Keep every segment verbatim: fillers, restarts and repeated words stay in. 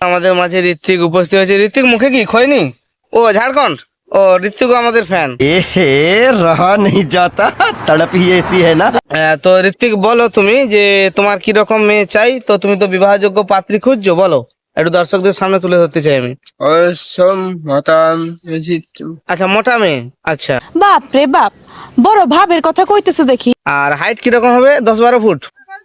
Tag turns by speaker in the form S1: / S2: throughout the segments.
S1: আমাদের মাঝে ঋত্বিক উপস্থিত হয়েছে। ঋত্বিক মুখে কি খয়নি? ও ঝাড়খণ্ড। ও ঋত্বিক আমাদের ফ্যান।
S2: এহে রহা নেই যাতা, তড়প হি ऐसी है না।
S1: তো ঋত্বিক বলো তুমি যে তোমার কি রকম মেয়ে চাই, তো তুমি তো বিবাহযোগ্য পাত্রী খুঁজছো, বলো একটু দর্শকদের সামনে তুলে ধরতে চাই আমি। আচ্ছা মোটা মেয়ে, আচ্ছা।
S3: বাপ রে বাপ, বড় ভাবের কথা কইতেছো দেখি।
S1: আর হাইট কিরকম হবে? দশ বারো ফুট?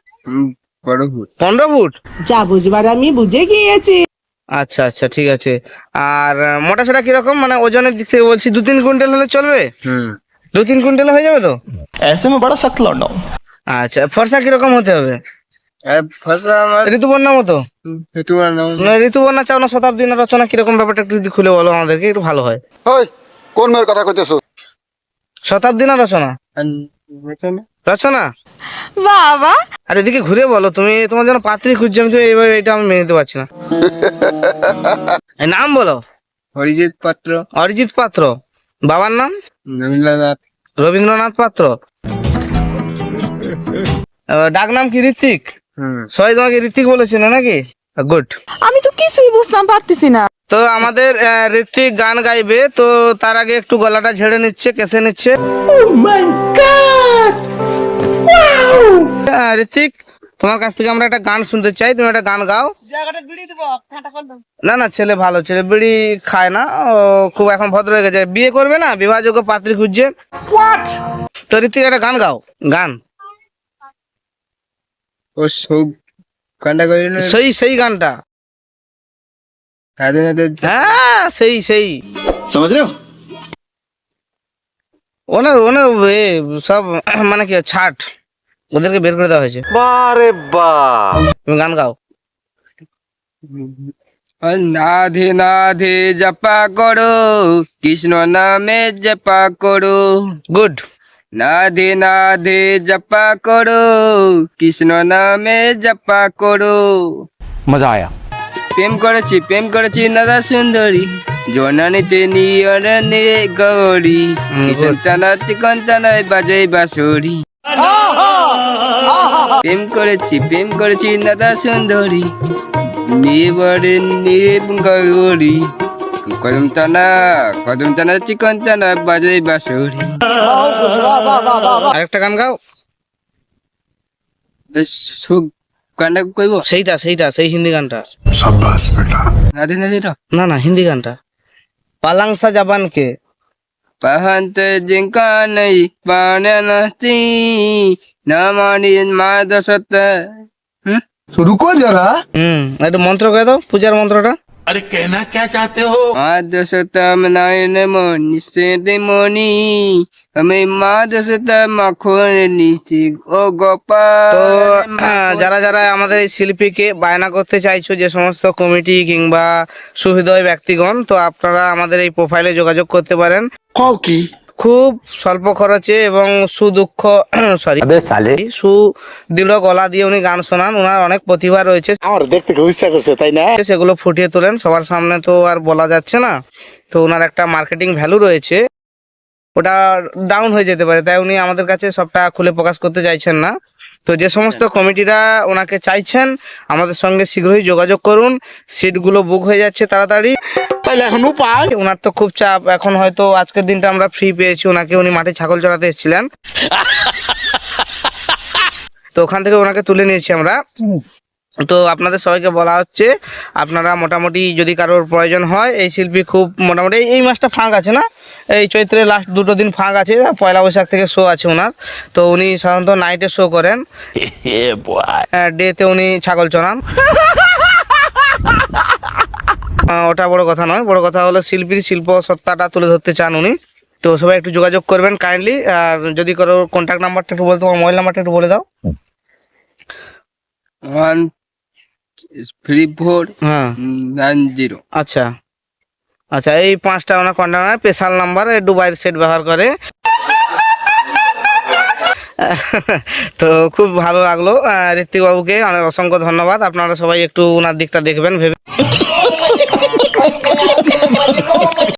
S1: পনেরো ফুট?
S4: যা বুঝবার আমি বুঝে গিয়েছি।
S1: আচ্ছা আচ্ছা ঠিক আছে। আর মোটা সোটা কিরকম, মানে ওজনের দিক থেকে বলছি, দু তিন কুইন্টাল হলে চলবে? দু তিন কুইন্টাল হয়ে যাবে তো?
S2: ऐसे में बड़ा सख्त लौंडा हूं।
S1: আচ্ছা ফর্সা কিরকম হতে হবে? ঋতুপর্ণা মতো? না, ঋতুপর্ণা চাও না শতাব্দী না রচনা, কিরকম ব্যাপারটা একটু যদি খুলে বলো আমাদেরকে, একটু ভালো হয়।
S5: ওই কোন মেয়ের কথা কইতেছো?
S1: শতাব্দী না রচনা? রচনা।
S3: বাবা,
S1: আর এদিকে ঘুরে বলো, তুমি তোমার জন্য পাত্রী খুঁজছি আমি, তো এবার এটা আমি মেনে নিতে পারছি না। এই নাম বলো।
S6: অরিজিৎ পাত্র।
S1: অরিজিৎ পাত্র। বাবার নাম?
S6: রবীন্দ্রনাথ।
S1: রবীন্দ্রনাথ পাত্র। আহ, ডাক নাম কি? ঋত্বিক। সবাই তোমাকে ঋত্বিক বলেছে না নাকি? গুড।
S3: আমি তো কিছুই বুঝতাম পারতেছি না।
S1: তো আমাদের আহ, ঋত্বিক গান গাইবে, তো তার আগে একটু গলাটা ঝেড়ে নিচ্ছে, কেসে নিচ্ছে। আহ, ঋত্বিক, তোমার কাছ থেকে আমরা একটা গান শুনতে চাই, তুমি একটা গান গাও। না না, ছেলে ভালো, ছেলে বিড়ি খায় না, ও খুব এখন ভদ্র হয়ে গেছে, বিয়ে করবে না, বিবাহযোগ্য পাত্রী খুঁজছে। তো ঋত্বিক একটা গান গাও, গান।
S6: ও সব গানটা করি না,
S1: সেই সেই গানটা।
S6: স্বাধীনতার
S1: হ্যাঁ সেই সেই।
S5: समझ रहे हो?
S1: ওনার ওনার এ সব মানে কি ছাট, ওদেরকে বের করে দেওয়া হয়েছে।
S5: বারে বা
S1: তুমি গান গাও।
S6: নাধে নাধে জপা করো, কৃষ্ণ নামে জপা করো।
S1: গুড।
S6: নাধে নাধে জপা করো, কৃষ্ণ নামে জপা করো।
S2: मजा आया।
S6: প্রেম করেছি প্রেম করেছি নাদা সুন্দরী, জনানিতে নিয়রণে গৌরী, কিষণ টানা চিকন টানায় বাজাই বাঁশরি। প্রেম করেছি প্রেম করেছি নাদা সুন্দরী, নিয়ে বরে নিয়ে গৌরী, কদম টানা কদম টানা চিকন টানা বাজাই বাঁশরি।
S1: আরেকটা গান গাও।
S6: সুখ গানটা কইব?
S1: সেইটা সেইটা সেই হিন্দি গানটা।
S6: নাধে নাধে রা
S1: না না, হিন্দি গানটা। পালাংসা জাবান কে।
S6: পাহান্ত জিঙ্কা নাই পানে নাস্তি, না মানি মা দশত। হুম
S5: रुको जरा।
S1: হুম একটু মন্ত্র করে দাও, পূজার মন্ত্রটা।
S6: মা দশতম নয়ন মনি নিশ্চিত মনি, আমি মা দশত মাখন নিশ্চিত ও গোপাল।
S1: তো আহ, যারা যারা আমাদের এই শিল্পীকে বায়না করতে চাইছো, যে সমস্ত কমিটি কিংবা সুহৃদয় ব্যক্তিগণ, তো আপনারা আমাদের এই প্রোফাইলে যোগাযোগ করতে পারেন।
S5: কও কি?
S1: খুব স্বল্প খরচে এবং সুদুঃখ সরি সুদৃঢ় গলা দিয়ে উনি গান শোনান। ওনার অনেক প্রতিভা রয়েছে,
S5: আমার দেখতে খুব ইচ্ছা করছে, তাই না?
S1: সেগুলো ফুটিয়ে তোলেন, সবার সামনে তো আর বলা যাচ্ছে না। তো ওনার একটা মার্কেটিং ভ্যালু রয়েছে, ওটা ডাউন হয়ে যেতে পারে, তাই উনি আমাদের কাছে সবটা খুলে প্রকাশ করতে চাইছেন না। তো যে সমস্ত কমিটিরা ওনাকে চাইছেন, আমাদের সঙ্গে শীঘ্রই যোগাযোগ করুন, সিটগুলো বুক হয়ে যাচ্ছে তাড়াতাড়ি।
S5: তাইলে এখন উপায়?
S1: ওনার তো খুব চাপ এখন, হয়তো আজকের দিনটা আমরা ফ্রি পেয়েছি ওনাকে, উনি মাঠে ছাগল চড়াতে এসেছিলেন, তো ওখান থেকে ওনাকে তুলে নিয়েছি আমরা। তো আপনাদের সবাইকে বলা হচ্ছে, আপনারা মোটামুটি যদি কারোর প্রয়োজন হয়, এই শিল্পী খুব মোটামুটি এই মাসটা ফাঁক আছে না, এই চৈত্রের লাস্ট দুটো দিন ফাঁক আছে, পয়লা বৈশাখ থেকে শো আছে ওনার। তো উনি সাধারণত নাইটে শো করেন, ডেতে উনি ছাগল চড়ান। ওটা বড় কথা নয়, বড় কথা হলো শিল্পীর শিল্প সত্তাটা তুলে ধরতে চান উনি। তো সবাই একটু যোগাযোগ করবেন কাইন্ডলি। আর যদি কারো কন্ট্যাক্ট নাম্বারটা একটু বলতে, তোমার মোবাইল নাম্বারটা একটু বলে দাও।
S6: ওয়ান থ্রি ফোর
S1: হ্যাঁ
S6: নাইন জিরো।
S1: আচ্ছা আচ্ছা, এই পাঁচটা ওনার কন্ট্যাক্ট নাম্বার, স্পেশাল নাম্বার, দুবাইয়ের সেট ব্যবহার করে। তো খুব ভালো লাগলো ঋত্বিক বাবুকে, অনেক অসংখ্য ধন্যবাদ। আপনারা সবাই একটু ওনার দিকটা দেখবেন ভেবে।